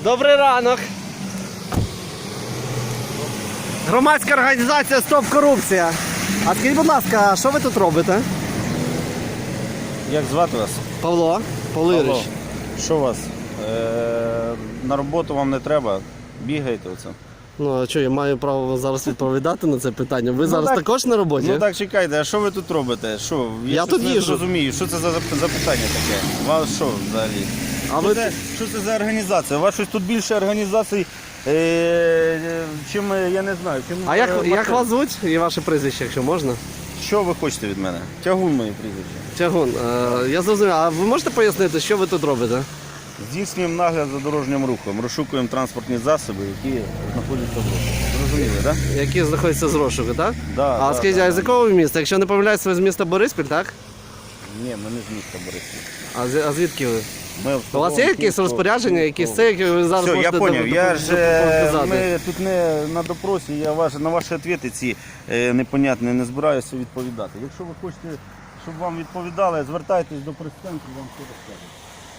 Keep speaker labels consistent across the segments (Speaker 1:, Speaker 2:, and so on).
Speaker 1: Добрий ранок. Громадська організація «Стоп корупція». А скажіть, будь ласка, що ви тут робите?
Speaker 2: Як звати вас?
Speaker 1: Павло Ігорович.
Speaker 2: Павло. Що у вас? На роботу вам не треба? Бігаєте оце?
Speaker 1: Ну, а що, я маю право зараз відповідати на це питання? Ви зараз
Speaker 2: так.
Speaker 1: також на роботі?
Speaker 2: Ну так, чекайте, а що ви тут робите? Що?
Speaker 1: Я
Speaker 2: щось
Speaker 1: тут
Speaker 2: не
Speaker 1: їжджу.
Speaker 2: розумію, що це за запитання таке? У вас що взагалі?
Speaker 1: А ви...
Speaker 2: Що це за організація? У вас щось тут більше організацій, чим, я не знаю. Чим,
Speaker 1: А як вас звуть і ваше прізвище, якщо можна?
Speaker 2: Що ви хочете від мене? Тягун моє прізвище.
Speaker 1: Тягун, я зрозумів. А ви можете пояснити, що ви тут робите?
Speaker 2: Здійснюємо нагляд за дорожнім рухом, розшукуємо транспортні засоби, які знаходяться в руху. Зрозуміли, так?
Speaker 1: Які знаходяться з розшуку, так?
Speaker 2: Да,
Speaker 1: А
Speaker 2: да,
Speaker 1: скажіть,
Speaker 2: да.
Speaker 1: а з якого ви міста? Якщо не помиляюсь, ви з міста Бориспіль, так?
Speaker 2: Ні, ми не з міста Бориспіль.
Speaker 1: А звідки ви?
Speaker 2: Ми
Speaker 1: У вас є якісь розпорядження, якісь це, які ви зараз
Speaker 2: Все,
Speaker 1: можете
Speaker 2: я зрозумів.
Speaker 1: показати?
Speaker 2: Ми тут не на допросі, я на ваші відповіді ці непонятні не збираюся відповідати. Якщо ви хочете, щоб вам відповідали, звертайтесь до прес-центру, вам все розкажуть.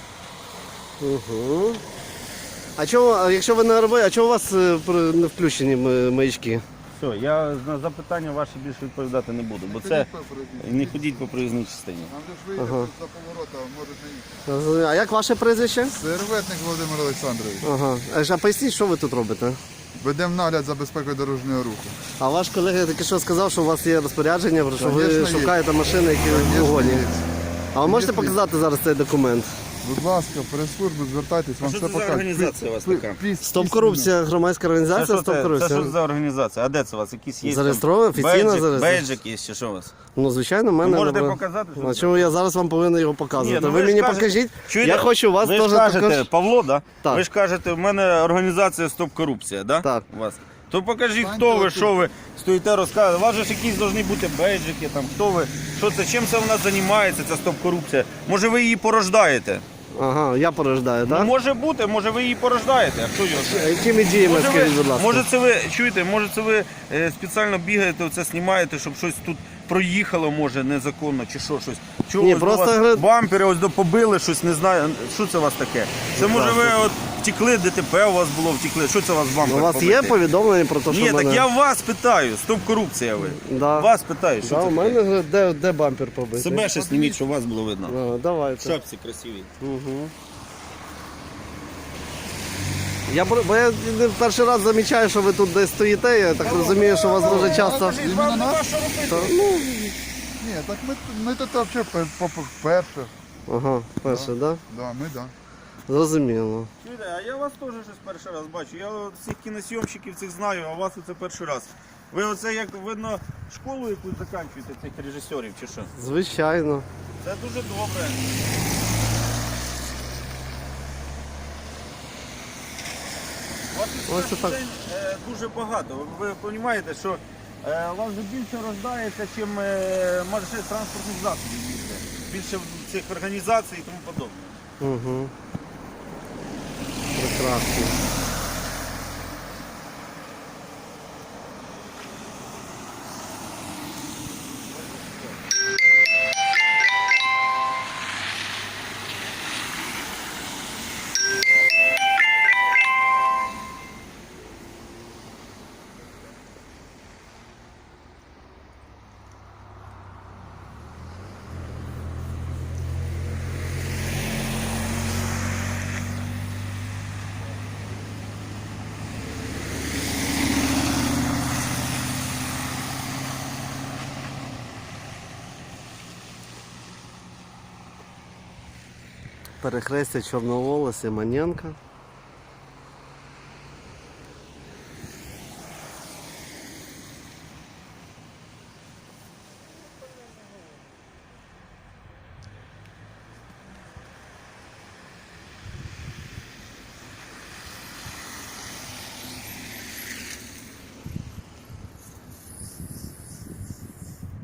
Speaker 1: Угу. А чого, якщо ви на роботі, а чого у вас не включені маячки?
Speaker 2: Все, я на запитання ваші більше відповідати не буду, бо це не ходіть по проїзній частині.
Speaker 3: Нам же ж виїхати за поворота, можуть не їхати.
Speaker 1: А як ваше прізвище?
Speaker 3: Серветник Володимир Олександрович.
Speaker 1: Ага. А поясніть, що ви тут робите?
Speaker 3: Ведемо нагляд за безпекою дорожнього руху.
Speaker 1: А ваш колега таки що сказав, що у вас є розпорядження, що ви
Speaker 3: Конечно, є.
Speaker 1: шукаєте машини, які в
Speaker 3: Звісно,
Speaker 1: погоні.
Speaker 3: є.
Speaker 1: А ви можете
Speaker 3: Звісно, є.
Speaker 1: показати зараз цей документ?
Speaker 3: Будь ласка, прес-службу, звертайтесь, вам
Speaker 2: що
Speaker 3: все
Speaker 2: це за
Speaker 3: покажуть.
Speaker 2: організація у вас така?
Speaker 1: Стоп корупція, громадська організація
Speaker 2: Це
Speaker 1: «Стоп
Speaker 2: що
Speaker 1: корупція».
Speaker 2: за організація? А де це у вас? Якісь є?
Speaker 1: Зареєстровано, офіційно зареєстровано.
Speaker 2: Бейджик є, чи що у вас?
Speaker 1: Ну, звичайно, в мене.
Speaker 2: Можете
Speaker 1: набрав.
Speaker 2: показати, що
Speaker 1: А
Speaker 2: це?
Speaker 1: чому я зараз вам повинен його показувати?
Speaker 2: Ні, ну
Speaker 1: ви
Speaker 2: ж
Speaker 1: мені
Speaker 2: кажете-
Speaker 1: покажіть.
Speaker 2: Чуєте?
Speaker 1: Я хочу у вас
Speaker 2: ви ж
Speaker 1: теж
Speaker 2: кажете,
Speaker 1: також.
Speaker 2: Павло, да?
Speaker 1: Так.
Speaker 2: Ви ж кажете, в мене організація «Стоп корупція», да?
Speaker 1: Так.
Speaker 2: У вас. То покажіть,
Speaker 3: Станьте
Speaker 2: хто ви,
Speaker 3: отут.
Speaker 2: що ви стоїте, розказуєте. У вас же ж якісь повинні бути бейджики, там, хто ви, що це, чим це вона займається, ця стоп-корупція. Може ви її порождаєте?
Speaker 1: Ага, я порождаю,
Speaker 2: Ну,
Speaker 1: так?
Speaker 2: може бути, може ви її порождаєте, а хто його знає?
Speaker 1: Якими діями,
Speaker 2: Може,
Speaker 1: скажіть, будь ласка?
Speaker 2: може це ви, чуєте, може це ви спеціально бігаєте, оце знімаєте, щоб щось тут проїхало, може, незаконно, чи що, щось. Чого
Speaker 1: Ні,
Speaker 2: ось
Speaker 1: просто
Speaker 2: до вас
Speaker 1: гра-
Speaker 2: бампери ось побили, щось, не знаю, що це у вас таке? Це може ви от втекли, ДТП у вас було, втекли, що це у вас бампер
Speaker 1: У вас
Speaker 2: побитий?
Speaker 1: є повідомлення про те, що
Speaker 2: Ні,
Speaker 1: в мене...
Speaker 2: так я вас питаю, стоп-корупція ви.
Speaker 1: Да.
Speaker 2: Вас питаю, що
Speaker 1: Да,
Speaker 2: це
Speaker 1: у
Speaker 2: таке?
Speaker 1: мене де бампер побитий?
Speaker 2: Себе ще зніміть, щоб вас було видно.
Speaker 1: Ага, давайте.
Speaker 2: Шапці красиві.
Speaker 1: Угу. Бо я не перший раз замічаю, що ви тут десь стоїте, я так розумію, що у вас дуже часто...
Speaker 3: Іменно нас?
Speaker 1: Та, ну,
Speaker 3: Ні, так ми тут взагалі перше.
Speaker 1: ага, перше, так? Да?
Speaker 3: Да, ми да.
Speaker 1: Зрозуміло.
Speaker 2: Чуєте, а я вас теж щось перший раз бачу. Я от всіх кіносйомщиків цих знаю, а вас оце перший раз. Ви оце, як видно, школу якусь закінчуєте цих режисерів чи що?
Speaker 1: Звичайно.
Speaker 2: Це дуже добре. У вас
Speaker 1: Ось
Speaker 2: тут
Speaker 1: так.
Speaker 2: день дуже багато. Ви розумієте, що у вас вже більше рождається, ніж машин транспортних засобів більше. Більше цих організацій і тому подобне.
Speaker 1: Угу. Прекрасно. Перехрестя Чорновола, Симоненка.